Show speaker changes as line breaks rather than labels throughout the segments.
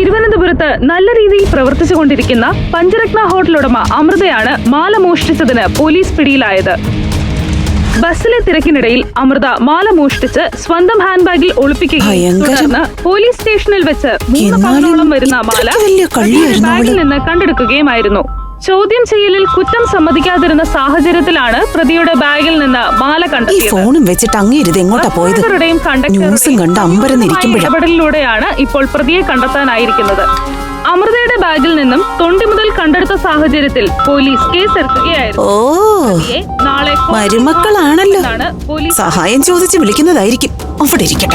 തിരുവനന്തപുരത്ത് നല്ല രീതിയിൽ പ്രവർത്തിച്ചുകൊണ്ടിരിക്കുന്ന പഞ്ചരത്ന ഹോട്ടൽ ഉടമ അമൃതയാണ് മാല മോഷ്ടിച്ചതിന് പോലീസ് പിടിയിലായത്. ബസ്സിലെ തിരക്കിനിടയിൽ അമൃത മാല മോഷ്ടിച്ച് സ്വന്തം ഹാൻഡ് ബാഗിൽ ഒളിപ്പിക്കുകയും തുടർന്ന് പോലീസ് സ്റ്റേഷനിൽ വെച്ച് 3 പവനോളം വരുന്ന മാല ബാഗിൽ നിന്ന് കണ്ടെടുക്കുകയുമായിരുന്നു. ചോദ്യം ചെയ്യലിൽ കുറ്റം സമ്മതിക്കാതിരുന്ന സാഹചര്യത്തിലാണ് പ്രതിയുടെ ബാഗിൽ നിന്ന് മാല ഇടപെടലിലൂടെയാണ് ഇപ്പോൾ പ്രതിയെ കണ്ടെത്താനായിരിക്കുന്നത്. അമൃതയുടെ ബാഗിൽ നിന്നും തൊണ്ടി മുതൽ കണ്ടെടുത്ത സാഹചര്യത്തിൽ പോലീസ് കേസെടുക്കുകയായിരുന്നു.
നാളെ മരുമക്കളാണല്ലോ, സഹായം ചോദിച്ച് വിളിക്കുന്നതായിരിക്കും. അവിടെ ഇരിക്കട്ടെ.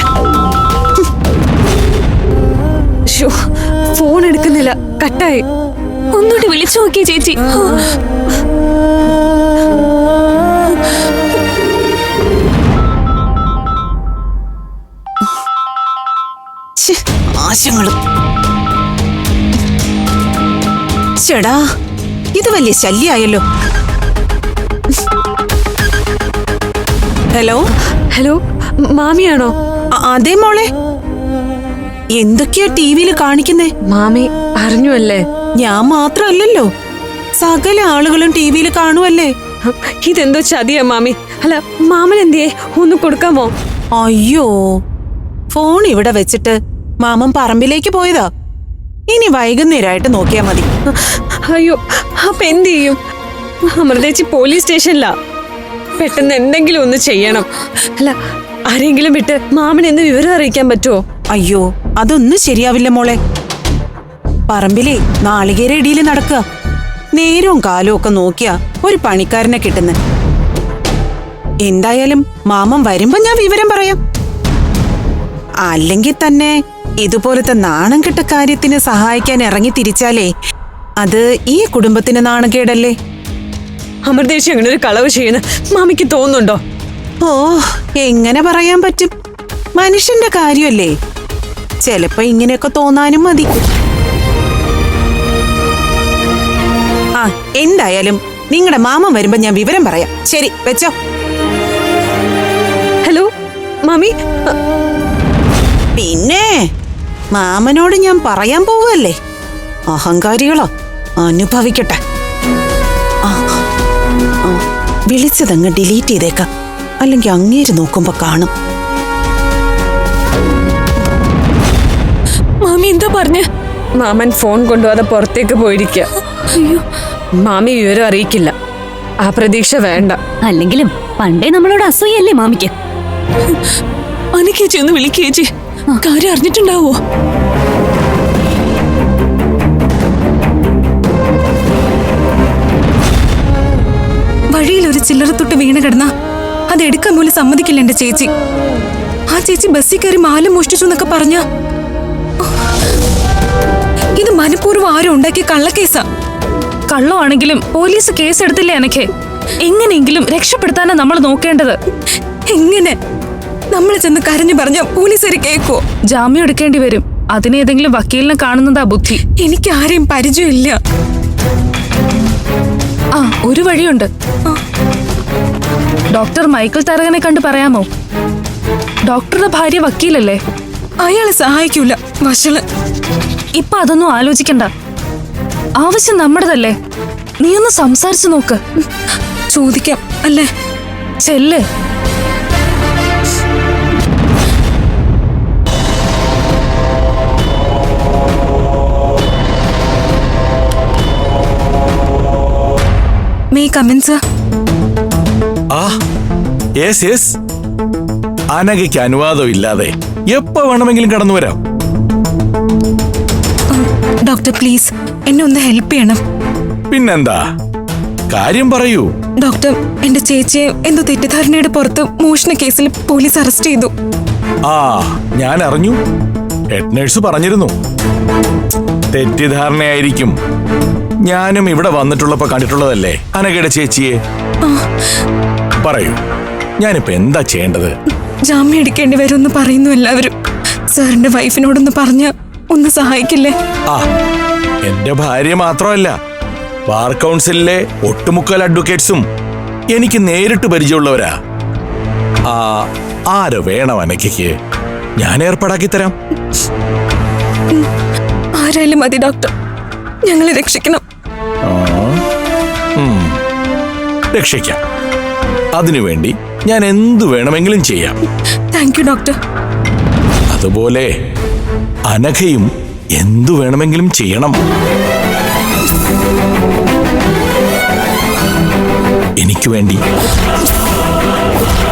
ഫോൺ എടുക്കുന്നില്ല, കട്ടായി. ഒന്നുകൂടി വിളിച്ചു നോക്കിയേ ചേച്ചി.
ആശങ്ങളും ചേടാ, ഇത് വലിയ ശല്യായല്ലോ. Hello
hello, മാമിയാണോ?
അതെ മോളെ. എന്തൊക്കെയാ ടിവിയിൽ കാണിക്കുന്നേ?
മാമി അറിഞ്ഞു അല്ലേ?
ഞാൻ മാത്രല്ലല്ലോ, സകല ആളുകളും ടിവിയിൽ കാണുവല്ലേ.
ഇതെന്തോ ചതിയാ മാമി. അല്ല, മാമൻ എന്തിയെ, ഒന്ന് കൊടുക്കാമോ?
അയ്യോ, ഫോൺ ഇവിടെ വെച്ചിട്ട് മാമൻ പറമ്പിലേക്ക് പോയതാ. ഇനി വൈകുന്നേരമായിട്ട് നോക്കിയാ മതി.
അയ്യോ, അപ്പൊ എന്ത് ചെയ്യും? അമൃതേച്ചി പോലീസ് സ്റ്റേഷനിലാ. പെട്ടെന്ന് എന്തെങ്കിലും ഒന്ന് ചെയ്യണം. അല്ല, ആരെങ്കിലും വിട്ട് മാമൻ എന്ന് വിവരം അറിയിക്കാൻ പറ്റുമോ?
അയ്യോ, അതൊന്നും ശരിയാവില്ല മോളെ. പറമ്പിലെ നാളികേര ഇടിയിൽ നടക്കുക. നേരവും കാലവും ഒക്കെ നോക്കിയാ ഒരു പണിക്കാരനെ കിട്ടുന്ന. എന്തായാലും മാമൻ വരുമ്പോ ഞാൻ വിവരം പറയാം. അല്ലെങ്കിൽ തന്നെ ഇതുപോലത്തെ നാണം കെട്ട കാര്യത്തിന് സഹായിക്കാൻ ഇറങ്ങി തിരിച്ചാലേ അത് ഈ കുടുംബത്തിന് നാണക്കേടല്ലേ.
അമൃതേശി അങ്ങനെ ഒരു കളവ് ചെയ്യുന്ന മാമിക്ക് തോന്നുന്നുണ്ടോ?
ഓ, എങ്ങനെ പറയാൻ പറ്റും? മനുഷ്യന്റെ കാര്യമല്ലേ, ചിലപ്പോ ഇങ്ങനെയൊക്കെ തോന്നാനും മതി. ആ, എന്തായാലും നിങ്ങളുടെ മാമൻ വരുമ്പോ ഞാൻ വിവരം പറയാം. ശരി, വെച്ചോ.
ഹലോ മാമി.
പിന്നെ മാമനോട് ഞാൻ പറയാൻ പോവല്ലേ. അഹങ്കാരികളോ, അനുഭവിക്കട്ടെ. വിളിച്ചതങ്ങ് ഡിലീറ്റ് ചെയ്തേക്കാം, അല്ലെങ്കിൽ അങ്ങേര് നോക്കുമ്പോ കാണും.
മാമി എന്താ പറഞ്ഞ? മാമൻ ഫോൺ കൊണ്ടുപോകാതെ പുറത്തേക്ക് പോയിരിക്കുക. മാമി വിവരം അറിയിക്കില്ല, ആ പ്രതീക്ഷ വേണ്ട.
അല്ലെങ്കിലും പണ്ടേ നമ്മളോട് അസൂയല്ലേ മാമിക്ക്.
അനിക്കേച്ചി ഒന്ന് വിളിക്കേച്ചി, കാര്യം അറിഞ്ഞിട്ടുണ്ടാവോ?
വഴിയിൽ ഒരു ചില്ലറത്തൊട്ട് വീണ് കിടന്ന അതെടുക്കാൻ പോലും സമ്മതിക്കില്ല എന്റെ ചേച്ചി. ആ ചേച്ചി ബസ്സിൽ കയറി മാല മോഷ്ടിച്ചു എന്നൊക്കെ പറഞ്ഞ ഇത് മനഃപൂർവ്വം ആരും ഉണ്ടാക്കിയ കള്ളക്കേസാ.
കള്ളമാണെങ്കിലും പോലീസ് കേസെടുത്തില്ലേ എനിക്ക്? എങ്ങനെയെങ്കിലും രക്ഷപ്പെടുത്താനാ നമ്മൾ നോക്കേണ്ടത്.
എങ്ങനെ? നമ്മൾ ചെന്ന് കരഞ്ഞു പറഞ്ഞ പോലീസുകാർ കേക്കോ?
ജാമ്യം എടുക്കേണ്ടി വരും. അതിനേതെങ്കിലും വക്കീലിനെ കാണുന്നതാ ബുദ്ധി.
എനിക്ക് ആരെയും പരിചയമില്ല.
ആ, ഒരു വഴിയുണ്ട്. ഡോക്ടർ മൈക്കിൾ തരകനെ കണ്ട് പറയാമോ? ഡോക്ടറുടെ ഭാര്യ വക്കീലല്ലേ?
അയാളെ സഹായിക്കൂല, വഷള്.
ഇപ്പൊ അതൊന്നും ആലോചിക്കണ്ട. ആവശ്യം നമ്മുടേതല്ലേ. നീ ഒന്ന് സംസാരിച്ചു നോക്ക്.
ചോദിക്കാം അല്ലേ?
ചെല്ല്.
May I come in, sir?
Yes. അനഘയ്ക്ക് അനുവാദം ഇല്ലാതെ എപ്പോ വേണമെങ്കിലും കടന്നു വരാം.
ഡോക്ടർ പ്ലീസ്, എന്നെ ഒന്ന് ഹെൽപ്പ് ചെയ്യണം.
പിന്നെന്താ, കാര്യം പറയൂ.
ഡോക്ടർ, എന്റെ ചേച്ചിയെ എന്തോ തെറ്റിദ്ധാരണയുടെ പുറത്ത് മോഷണ കേസിൽ പോലീസ് അറസ്റ്റ് ചെയ്തു.
ആ, ഞാൻ അറിഞ്ഞു. ഹെഡ് നേഴ്സ് പറഞ്ഞിരുന്നു. തെറ്റിദ്ധാരണയായിരിക്കും. ഞാനും ഇവിടെ വന്നിട്ടുള്ളപ്പോ കണ്ടിട്ടുള്ളതല്ലേ അനഘയുടെ ചേച്ചിയെ. പറയൂ, ഞാനിപ്പോ എന്താ ചെയ്യേണ്ടത്?
ജാമ്യം എടുക്കേണ്ടി വരുമെന്ന് പറയുന്നു എല്ലാവരും. സാറിന്റെ വൈഫിനോടൊന്ന് പറഞ്ഞ ഒന്ന് സഹായിക്കില്ലേ?
ആ, എന്റെ ഭാര്യ മാത്രമല്ല, ബാർ കൗൺസിലിലെ ഒട്ടുമുക്കാൽ അഡ്വക്കേറ്റ്സും എനിക്ക് നേരിട്ട് പരിചയമുള്ളവരാ. ആര് വേണം അനഘയ്ക്ക്? ഞാൻ ഏർപ്പാടാക്കി തരാം.
ആരായാലും മതി ഡോക്ടർ, ഞങ്ങളെ രക്ഷിക്കണം.
രക്ഷിക്കാം. അതിനുവേണ്ടി ഞാൻ എന്തു വേണമെങ്കിലും ചെയ്യാം.
Thank you doctor.
അതുപോലെ അനഘയും എന്തു വേണമെങ്കിലും ചെയ്യണം. എനിക്ക് വേണ്ടി.